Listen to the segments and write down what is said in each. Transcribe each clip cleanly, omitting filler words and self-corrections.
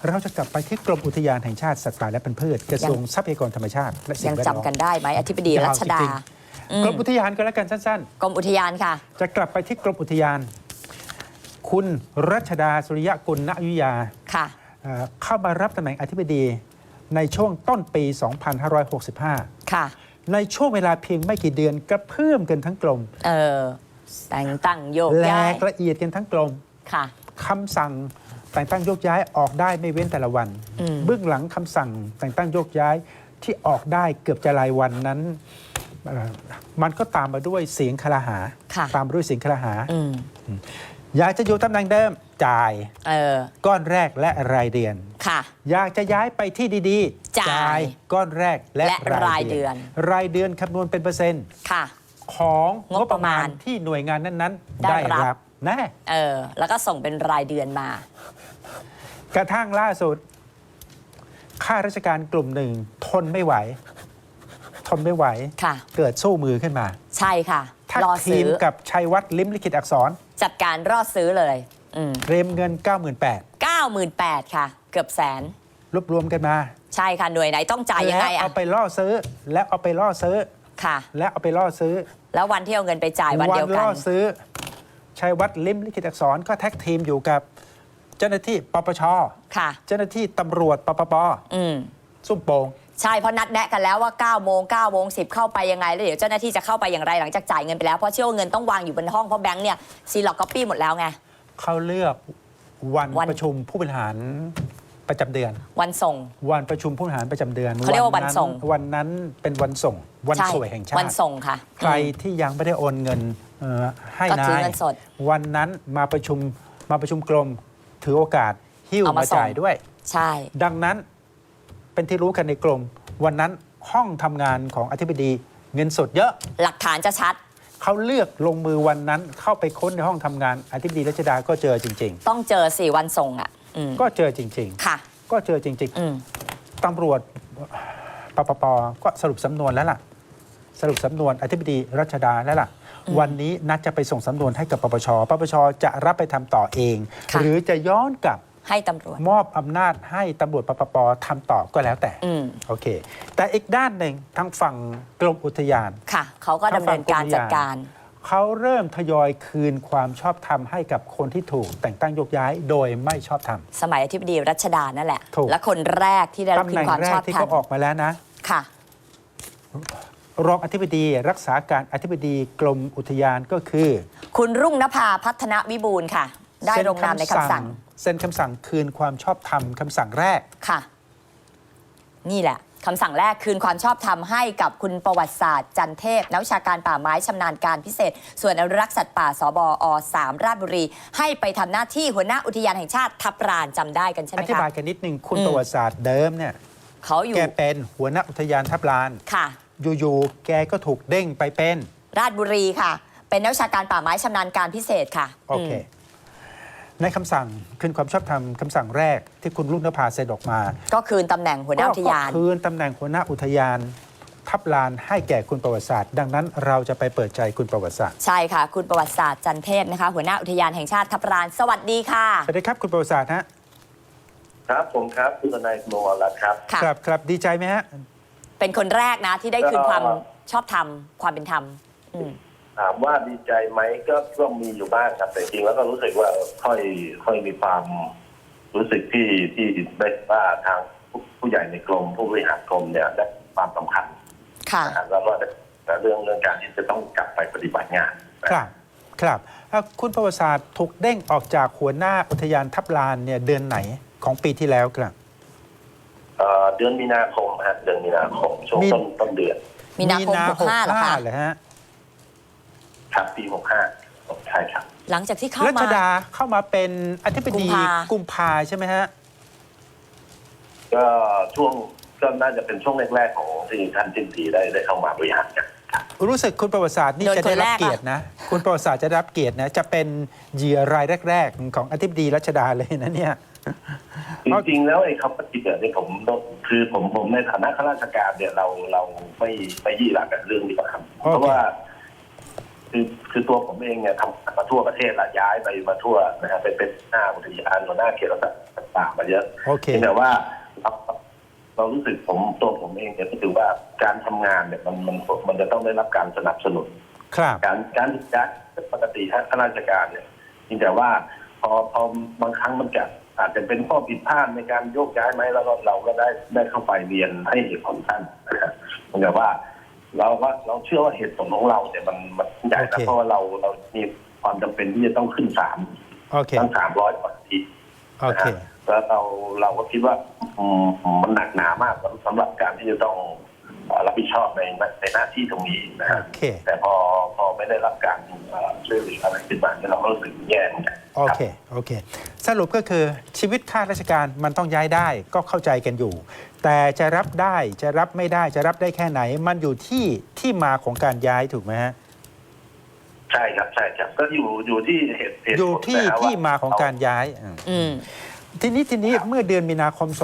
เราจะกลับไปที่กรมอุทยานแห่งชาติสัตว์ป่าและพันธุ์พืชกระทรวงทรัพยากรธรรมชาติและสิ่ยัง งแวดล้อมจำกันได้ไหมอธิบดีรัชดาจริงๆกรมอุทยานก็แล้วกันสั้นกรมอุทยานค่ะๆ จะกลับไปที่กรมอุทยาน คุณรัชดาสุริยกุลณอยุธยาค่ะเข้ามารับตำแหน่งอธิบดีในช่วงต้นปี 2565 ค่ะในช่วงเวลาเพียงไม่กี่เดือนกระเพื่อมกันทั้งกรมแต่งตั้งโยกแหลย้ายกละเอียดกันทั้งกรมค่ะคำสั่งแต่งตั้งโยกย้ายออกได้ไม่เว้นแต่ละวัน เบื้องหลังคำสั่งแต่งตั้งโยกย้ายที่ออกได้เกือบจะรายวันนั้นมันก็ตามมาด้วยเสียงคลาหาค่ะตามมาด้วยเสียงคลาหาอืมอยากจะอยู่ตำแหน่งเดิมจ่าย ก้อนแรกและรายเดือนค่ะอยากจะย้ายไปที่ดีๆจ่ายก้อนแรกและรายเดือนรายเดือนคำนวณเป็นเปอร์เซ็นต์ค่ะของงงบบ ปประ ระมามาณณที่หน่วยงานนั้นๆได้ได้รับรับแน่แล้วก็ส่งเป็นรายเดือนมากระทั่งล่าสุดข้าราชการกลุ่มหนึ่งทนไม่ไหวค่ะเกิดสู้มือขึ้นมาใช่ค่ะทักรอทีซื้มอกับชัยวัฒน์ลิ้มลิขิตอักษรจัดการรอซื้อเลยเตรียมเงิน 98,000 98,000ค่ะ เกือบแสนรวบรวมกันมาใช่ค่ะ หน่วยไหนต้องจ่ายยังไงแล้วเอาไปล่อซื้อ แล้วเอาไปล่อซื้อค่ะแล้วเอาไปล่อซื้อแล้ววันที่เอาเงินไปจ่ายวันเดียวกัล่นอซื้อชัยวัฒน์ลิ้มลิขิตอักษรก็แท็กทีมอยู่กับเจ้าหน้าที่ปปชค่ะเจ้าหน้าที่ตำรวจปปป ซุ่มโป่งใช่เพราะนัดแนะกันแล้วว่า9 โมง 9 โมง 10เข้าไปยังไงแล้วเดี๋ยวเจ้าหน้าที่จะเข้าไปอย่างไรหลังจากจ่ายเงินไปแล้วเพราะเชื่อว่าเงินต้องวางอยู่บนห้องเพราะแบงค์เนี่ยซีล็อกก๊อปปี้หมดแล้วไงเขาเลือกวันประชุมผู้บริหารประจำเดือนวันส่งวันประชุมผู้บริหารประจำเดือนเขาเรียกว่าวันส่งวันนั้นเป็นวันส่ง วันใช่สวยแห่งชาติวันส่งค่ะใครที่ยังไม่ได้โอนเงินให้ก็นาถือย เงินสดวันนั้นมาประชุมกรมถือโอกาสหิ้วเอามามาส่งจ่ายด้วยใช่ดังนั้นเป็นที่รู้กันในกรมวันนั้นห้องทำงานของอธิบดีเงินสดเยอะหลักฐานจะชัดเขาเลือกลงมือวันนั้นเข้าไปค้นในห้องทำงานอธิบดีรัชดาก็เจอจริงต้องเจอ4 วันส่งอ่ะๆก็เจอจริงค่ะๆ ก็เจอจริง ๆตำรวจปปปก็สรุปสำนวนแล้วล่ะ สรุปสำนวนอธิบดีรัชดาแล้วล่ะ วันนี้นัดจะไปส่งสำนวนให้กับปปชจะรับไปทำต่อเองค่ะหรือจะย้อนกลับให้ตำรวจมอบอำนาจให้ตำรวจปปทำต่อก็แล้วแต่ โอเค แต่อีกด้านหนึ่งทางฝั่งกรมอุทยานค่ะเขาก็ดำเนินการจัดการเขาเริ่มทยอยคืนความชอบธรรมให้กับคนที่ถูกแต่งตั้งโยกย้ายโดยไม่ชอบธรรมสมัยอธิบดีรัชดานั่นแหละถูกและคนแรกที่ได้รับตำคืแหนน่งความแรชอก บที่ธรรเขามออกมาแล้วนะค่ะรองอธิบดีรักษาการอธิบดีกรมอุทยานก็คือคุณรุ่งนภาพัฒนวิบูลย์ค่ะ ได้ลงนามในคำสั่งเซ็นคำสั่งคืนความชอบธรรมคำสั่งแรกค่ะ นี่แหละคำสั่งแรกคืนความชอบธรรมให้กับคุณประวัติศาสตร์จันเทพนักวิชาการป่าไม้ชำนาญการพิเศษ ส่วนอนุรักษ์สัตว์ป่าสบอ3ราชบุรี ให้ไปทำหน้าที่หัวหน้าอุทยานแห่งชาติทับลานจำได้กันใช่ไหอมธิบาคะยกันนิดนึงคุณประวัติศาสตร์เดิมเนี่ยเขาอยู่แกเป็นหัวหน้าอุทยานทับลานค่ะอยู่ๆแกก็ถูกเด้งไปเป็นราชบุรีค่ะ เป็นนักวิชาการป่าไม้ชำนาญการพิเศษค่ะโอเค ในคำสั่งคืนความชอบธรรมคำสั่งแรกที่คุณรุ่งนภาเซ็นออกมาก็คืนตำแหน่งหัวหน้าอุทยานก็คืนตำแหน่งหัวหน้าอุทยานทับลานให้แก่คุณประวัติศาสตร์ ดังนั้นเราจะไปเปิดใจคุณประวัติศาสตร์ใช่ค่ะ คุณประวัติศาสตร์จันเทพนะคะ หัวหน้าอุทยานแห่งชาติทับลานสวัสดีค่ะสวัสดีครับคุณประวัติศาสตร์ฮะครับผมครับคุณทนายโมรัตน์ครับค่ะครับดีใจไหมฮะเป็นคนแรกนะที่ได้คืนความชอบธรรมความเป็นธรรมถามว่าดีใจไหมก็มีอยู่บ้างครับแต่จริงแล้วก็รู้สึกว่าค่อยมีความรู้สึกที่ได้ว่าทางผู้ใหญ่ในกรมผู้บริหารกรมเนี่ยได้ความสำคัญค่ะนะครับแล้วก็แต่เรื่องการที่จะต้องกลับไปปฏิบัติงานนะครับครับคุณประวัติศาสตร์ถูกเด้งออกจากหัวหน้าอุทยานทับลานเนี่ยเดือนไหนของปีที่แล้วครับเดือนมีนาคมฮะเดือนมีนาคมช่วงต้นเดือนมีนาคม65เหรอคะเหรอฮะครับปี65ใช่ครับหลังจากที่เข้ารัชมาดาเข้ามาเป็นอธิบดีกุมภาใช่ไหมฮะก็น่าจะเป็นช่วงแรกๆของที่ท่านจิ้มผีได้เข้ามาบริหารกันครับรู้สึกคุณประวัติศาสตร์นี่โดนจะได้รับคนแรกเกียรตินะ คุณประวัติศาสตร์จะได้รับเกียรตินะ จะเป็นเหยื่อรายแรกๆของอธิบดีรัชดาเลยนะเนี่ยจริงๆแล้วไอ้คำปฏิบัติเนี่ยผมในฐานะข้าราชการเนี่ยเราไม่ยี่หลักกับเรื่องนี้ครับ เพราะว่าคือตัวผมเองเนี่ยทำมาทั่วประเทศละย้ายไปมาทั่วนะฮะไปเป็นหน้าอุทยานหัวหน้าเขตรักษาต่างๆมาเยอะโอเคแต่ว่าเรารู้สึกตัวผมเองเนี่ยก็ถือว่าการทำงานเนี่ยมันจะต้องได้รับการสนับสนุนครับการย้ายปกติข้าราชการเนี่ยจริงแต่ว่าพอบางครั้งมันอาจจะเป็นข้อผิดพลาดในการโยกย้ายไหมแล้วก็เราก็ได้เข้าไปเรียนให้เหตุผลท่านนะครับแต่ว่าเราเชื่อว่าเหตุผลของเราเนี่ยมันใหญ่นะเพราะว่าเรามีความจำเป็นที่จะต้องขึ้นศาลโอเคตั้ง300 กว่าทีโอเคแล้วเราก็คิดว่ามันหนักหนามากสำหรับการที่จะต้องรับผิดชอบในหน้าที่ตรงนี้นะฮะโอเคแต่พอไม่ได้รับการช่วยเหลืออะไรขึ้นมาเนี่ยเราก็รู้สึกแย่เหมือนกันโอเค โอเค สรุปก็คือชีวิตข้าราชการมันต้องย้ายได้ก็เข้าใจกันอยู่ แต่จะรับได้จะรับไม่ได้จะรับได้แค่ไหน มันอยู่ที่มาของการย้ายถูกไหมฮะใช่ครับก็อยู่ที่เหตุอยู่ที่ผลนะครับที่ว่มาของการย้ายอืมทีนี้เมื่อเดือนมีนาคม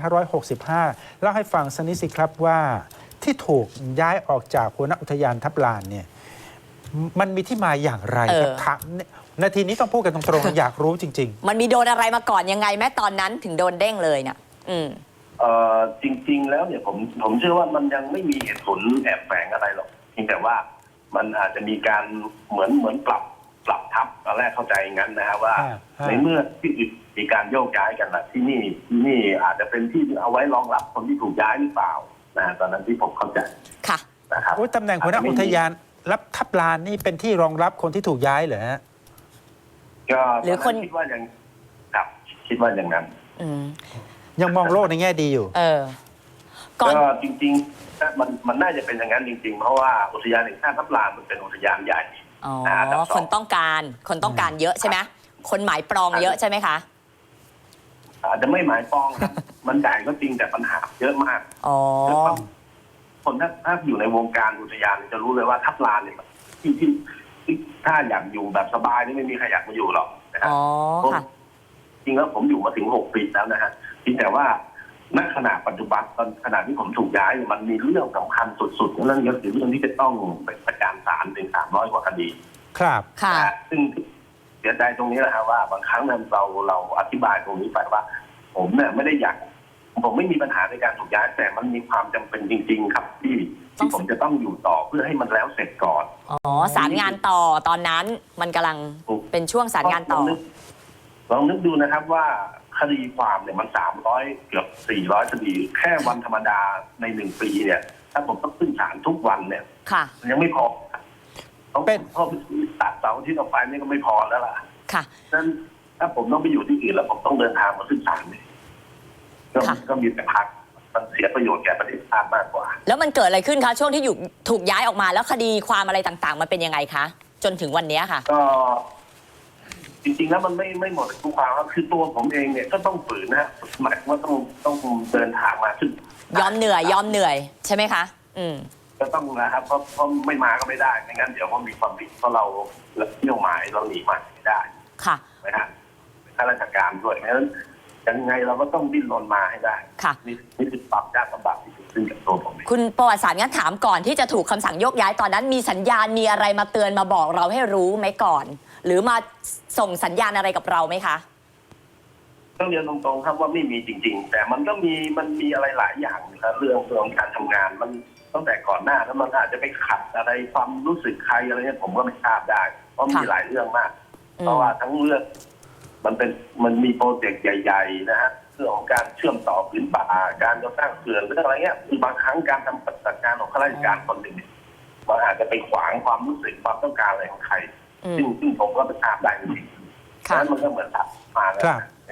2565 เล่าให้ฟังสักนิดสิครับว่าที่ถูกย้ายออกจากหัวหน้าอุทยานทับลานเนี่ยมันมีที่มาอย่างไรครับถามนาทีนี้ต้องพูดกันตรงๆ อยากรู้จริงมันมีโดนอะไรมาก่อนยังไงแม้ตอนนั้นถึงโดนเด้งเลยเนี่ยจริงๆแล้วเนี่ยผมเชื่อว่ามันยังไม่มีเหตุผลแอบแฝงอะไรหรอกเพียงแต่ว่ามันอาจจะมีการเหมือนปรับทับตอนแรกเข้าใจงั้นนะฮะว่าในเมื่อที่อื่นมีการโยกย้ายกันนะที่นี่อาจจะเป็นที่เอาไว้รองรับคนที่ถูกย้ายหรือเปล่านะตอนนั้นที่ผมเข้าใจค่ะนะครับๆ ตำแหน่งหัวหน้าอุทยานรับทับลานนี่เป็นที่รองรับคนที่ถูกย้ายเหรอฮะก็หรือคนคิดว่าอย่างครับคิดว่าอย่างนั้นอืมยังมองโลกในแง่ดีอยู่ก่อนก็จริงๆมันน่าจะเป็นอย่างนั้นจริงๆ เพราะว่าอุทยานแห่งชาติทับลานมันเป็นอุทยานใหญ่อ๋ออันดับคนต้องการเยอะใช่ไหมคนหมายปรองเยอะใช่ไหมคะอาจจะไม่หมายปองครับ มันใหญ่ก็จริงแต่ปัญหาเยอะมากอ๋อคนถ้าอยู่ในวงการอุทยานจะรู้เลยว่าทับลานเนี่ยที่ถ้าอยากอยู่แบบสบายนี่ไม่มีใครอยากมาอยู่หรอกนะครับอ๋อ ค่ะจริงแล้วผมอยู่มาถึง6 ปีแล้วนะฮะเพียงแต่ว่าณขณะปัจจุบันตอนขณะที่ผมถูกย้ายมันมีเรื่องสำคัญสุดๆนั่นก็คือเรื่องที่จะต้องไปประจานศาลถึง300 กว่าคดีครับค่ะซึ่งเสียใจตรงนี้แหละครับว่าบางครั้งเราอธิบายตรงนี้ไปว่า ผมเนี่ยไม่ได้อยากผมไม่มีปัญหาในการถูกย้ายแต่มันมีความจำเป็นจริง ๆ ครับที่ผมจะต้องอยู่ต่อเพื่อให้มันแล้วเสร็จก่อนอ๋อ สารงานต่อตอนนั้นมันกำลังเป็นช่วงสารงานต่อลองนึกดูนะครับว่าคดีความเนี่ยมัน300 เกือบ400 คดีแค่วันธรรมดาใน1 ปีเนี่ย ถ้าผมต้องขึ้นศาลทุกวันเนี่ยค่ะมันยังไม่พอต้องเป็นเพราะตัดเสาร์ที่เราไปนี่ก็ไม่พอแล้วล่ะค่ะฉะนั้นถ้าผมต้องไปอยู่ที่อื่นแล้วผมต้องเดินทางมาขึ้นศาลเนี่ยก็มีแต่พักมันเสียประโยชน์แก่ประเทศชาติมากกว่าแล้วมันเกิดอะไรขึ้นคะช่วงที่ถูกย้ายออกมาแล้วคดีความอะไรต่างๆ มันเป็นยังไงคะ จนถึงวันนี้ค่ะก็จริงๆแล้วมันไม่หมดทุกความครับคือตัวผมเองเนี่ยก็ต้องฝืนนะฮะหมายว่าต้องเดินทางมาขึ้นยอมเหนื่อยใช่ไหมคะก็ต้องนะครับเพราะไม่มาก็ไม่ได้ไม่งั้นเดี๋ยวมันมีความผิดเพราะเราเที่ยวหมายเราหนีหมายไม่ได้ค่ะนะฮะข้าราชการด้วยเพราะฉะนั้นยังไงเราก็ต้องดิ้นรนมาให้ได้ค่ะนี่คือความยากลำบากที่เกิดขึ้นกับตัวผมเองคุณประวัติศาสตร์งั้นถามก่อนที่จะถูกคำสั่งโยกย้ายตอนนั้นมีสัญญาณมีอะไรมาเตือนมาบอกเราให้รู้ไหมก่อน หรือมาส่งสัญญาณอะไรกับเราไหมคะต้องเรียนตรงๆครับว่าไม่มีจริง ๆ แต่มันมีอะไรหลายอย่างนะครับเรื่องการทำงานมันตั้งแต่ก่อนหน้าแล้วมันอาจจะไปขัดอะไรความรู้สึกใครอะไรเนี่ยผมก็ไม่ทราบได้เพราะมีหลายเรื่องมากเพราะว่าทั้งเรื่องมันมีโปรเจกต์ใหญ่ๆนะฮะเรื่องของการเชื่อมต่อผืนป่าการจะสร้างเขื่อนเรื่องอะไรเงี้ยคือบางครั้งการทำปฏิบัติการของข้าราชการคนหนึ่งเนี่ยมันอาจจะไปขวางความรู้สึกความต้องการอะไรของใครซึ่งผมก็ไม่ทราบได้จริงๆฉะนั้นมันก็เหมือนตัดมาแล้ว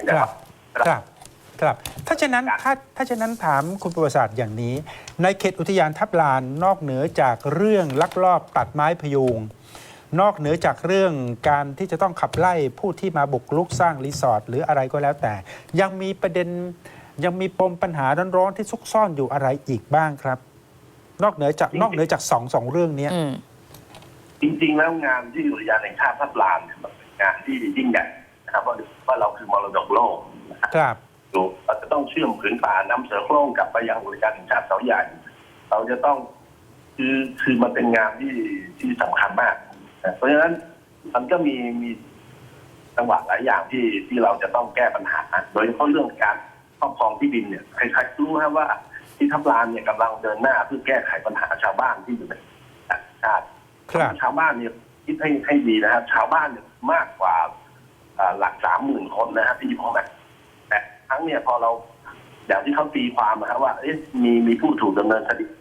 ครับถ้าฉะนั้นถามคุณประวัติศาสตร์อย่างนี้ ในเขตอุทยานทับลานนอกเหนือจากเรื่องลักลอบตัดไม้พยุงนอกเหนือจากเรื่องการที่จะต้องขับไล่ผู้ที่มาบุกรุกสร้างรีสอร์ทหรืออะไรก็แล้วแต่ยังมีประเด็นยังมีปมปัญหาร้อนๆที่ซุกซ่อนอยู่อะไรอีกบ้างครับ นอกเหนือจากสองเรื่องนี้จริงๆแล้วงานที่อุทยานแห่งชาติทับลานเนี่ยมันเป็นงานที่ยิ่งใหญ่นะครับว่าเราคือมรดกโลกครับเราจะต้องเชื่อมผืนป่านำเสือโคร่งกลับไปยังอุทยานแห่งชาติเขาใหญ่เราจะต้องคือมันเป็นงานที่สำคัญมากเพราะฉะนั้นมันก็มีจังหวะหลายอย่างที่เราจะต้องแก้ปัญหาโดยเฉพาะเรื่องการครอบครองที่ดินเนี่ยใครๆรู้ครับว่าที่ทับลานเนี่ยกำลังเดินหน้าเพื่อแก้ไขปัญหาชาวบ้านที่อยู่ในชาติครับชาวบ้านเนี่ยคิดให้ดีนะครับชาวบ้านเนี่ยมากกว่าหลัก30,000 คนนะครับที่อยู่ข้างในแต่ทั้งเนี่ยพอเราอย่างที่เขาตีความนะครับว่ามีผู้ถูกดำเนินคดี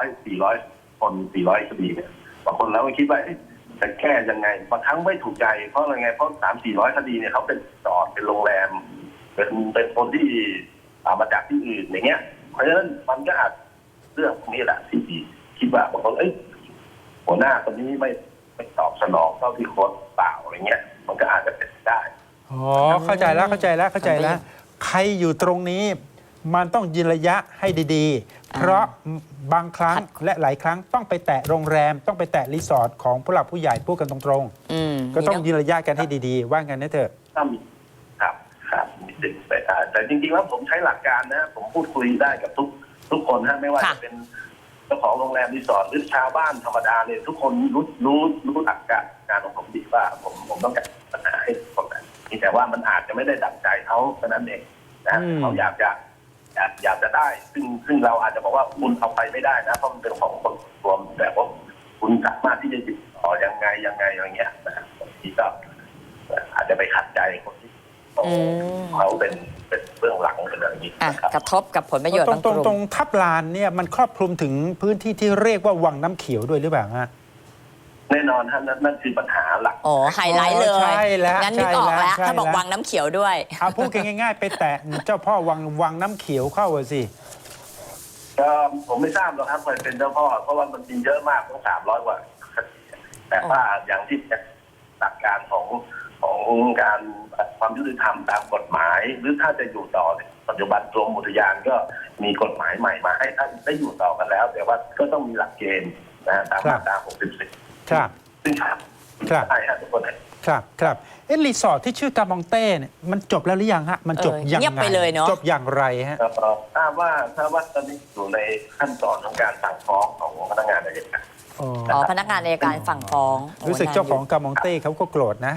400 คน400 คดีเนี่ยบางคนเราก็คิดว่าจะแก้ยังไงบางครั้งไม่ถูกใจเพราะอะไรไงเพราะ300-400 คดีเนี่ยเขาเป็นจอดเป็นโรงแรมเป็นคนที่มาจากที่อื่นอย่างเงี้ยเพราะฉะนั้นมันก็อาจเรื่องพวกนี้แหละที่คิดว่าบางคนหัวหน้าคนนี้ไม่ตอบสนองเท่าที่โค้ชเปล่าอะไรเงี้ยมันก็อาจจะเป็นได้อ๋อเข้าใจแล้วใครอยู่ตรงนี้มันต้องยืนระยะให้ดีๆ เพราะบางครั้งและหลายครั้งต้องไปแตะโรงแรมต้องไปแตะรีสอร์ทของผู้หลักผู้ใหญ่พูดกันตรงๆก็ต้องยืนระยะกันให้ดีๆว่างั้นนะเถอะถ้ามีครับมีสิทธิ์ไปได้แต่จริงๆแล้วผมใช้หลักการนะผมพูดคุยได้กับทุกคนนะไม่ว่าจะเป็นเจ้าของโรงแรมรีสอร์ทหรือชาวบ้านธรรมดาเนี่ยทุกคนรู้หลักการของผมดีว่าผมต้องแก้ปัญหาให้คนนั้นแต่ว่ามันอาจจะไม่ได้ดั่งใจเขาเท่านั้นเองนะเขาอยากจะได้ซึ่งเราอาจจะบอกว่าคุณเอาไปไม่ได้นะเพราะมันเป็นของคนรวมแต่ว่าคุณสามารถที่จะติดต่อยังไงอย่างเงี้ยนะครับบางทีก็อาจจะไปขัดใจคนที่เขาเป็นเบื้องหลังเป็นอะไรอย่างนี้นะครับกระทบกับผลประโยชน์บางกตลุ่มรงทับลานเนี่ยมันครอบคลุมถึงพื้นที่ที่เรียกว่าวังน้ำเขียวด้วยหรือเปล่าฮะแน่นอนฮะนั่นคือปัญหาหลักโอ้ไฮไลท์เลยใช่แล้วงั้นนึกออกแล้วใช่แล้วถ้าบอกวังน้ำเขียวด้วยเอาพูดกันง่ายๆ ไปแตะเจ้าพ่อวังน้ำเขียวเข้าสิก็ผมไม่ทราบหรอกครับใครเป็นเจ้าพ่อเพราะว่ามันจริงเยอะมากต้อง300 กว่าคดีแต่ว่าอย่างที่หลักการของการความยุติธรรมตามกฎหมาย หรือถ้าจะอยู่ต่อเนี่ยปัจจุบันกรมอุทยานก็มีกฎหมายใหม่มาให้ท่านได้อยู่ต่อกันแล้ว แต่ว่าก็ต้องมีหลักเกณฑ์นะตามมาตรา64 ครับซึ่งใช่ฮะทุกคนครับรีสอร์ทที่ชื่อกามองเต้เนี่ยมันจบแล้วหรือยังฮะมันจบยังเงียบไงไปเลยเนอะจบอย่างไรฮะทราบว่าตอนนี้อยู่ในขั้นตอนของการสั่งฟ้องของพนักงานอัยการอ๋ออ๋อพนักงานอัยการฝั่งฟ้องรู้สึกเจ้าของกามองเต้เขาก็โกรธนะ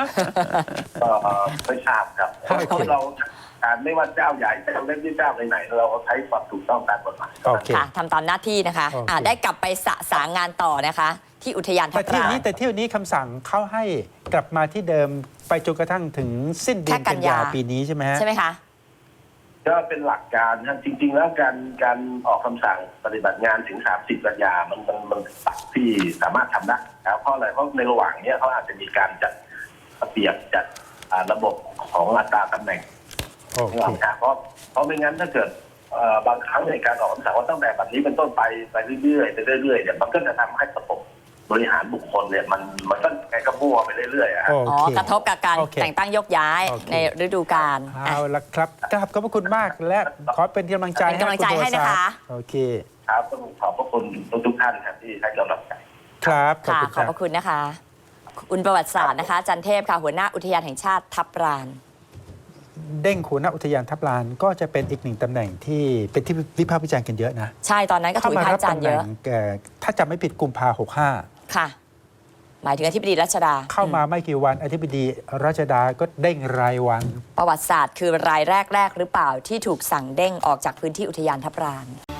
ไม่ทราบครับโอเคเราไม่ว่าเจ้าใหญ่เจ้าเล็กหรือเจ้าไหนๆเราใช้ความถูกต้องตามกฎหมายโอเคค่ะทำตามหน้าที่นะคะโอเคได้กลับไปสางงานต่อนะคะ ที่อุทยานทัแต่บเที่ยวลานนี้คำสั่งเขาให้กลับมาที่เดิมไปจนกระทั่งถึงสิ้นเดือนแค่กักัน นยายาปีนี้ใช่ไหมฮะใช่ไหมคะก็เป็นหลักการนะจริง ๆ แล้วการออกคำสั่งปฏิบัติงานถึง30 กันยามันตัดที่สามารถทำได้แล้วเพราะอะไรเพราะในระหว่างนี้เขาอาจจะมีการจัดระเบียบจัดระบบของอัตราตำแหน่งโอเคเพราะไม่งั้นถ้าเกิดบางครั้งในการออกคำสั่งว่าตั้งแต่บัดนี้เป็นต้นไปเรื่อยๆเนี่ยมันก็จะทำให้ระบบบริหารบุคคลเนี่ยมันก็ไงก็มั่วไปเรื่อยๆโออ๋อเคกระทบกับการโอเคแต่งตั้งยกย้ายโอเคในฤดูกาลเอาละครับกราบขอบพระคุณมากและขอเป็นกำลังใจเป็นกำลังใจให้นะคะโอเคครับต้องขอบพระคุณทุกท่านครับที่ให้กำลังใจครับขอบค่ะคุณขคอบรับพระคุณนะคะ คุณประวัติศาสตร์นะคะ จันเทพค่ะ หัวหน้าอุทยานแห่งชาติทับลานเด้งหัวหน้าอุทยานทับลานก็จะเป็นอีกหนึ่งตำแหน่งที่เป็นที่วิพากษ์วิจารณ์กันเยอะนะใช่ ตอนนั้นก็ถูกวิพากษ์วิจารณ์เยอะถ้าจำไม่ผิดกุมภา65 ค่ะ หมายถึงอธิบดีรัชดาเข้ามาไม่กี่วันอธิบดีรัชดาก็เด้งรายวันประวัติศาสตร์คือรายแรกหรือเปล่าที่ถูกสั่งเด้งออกจากพื้นที่อุทยานทับลาน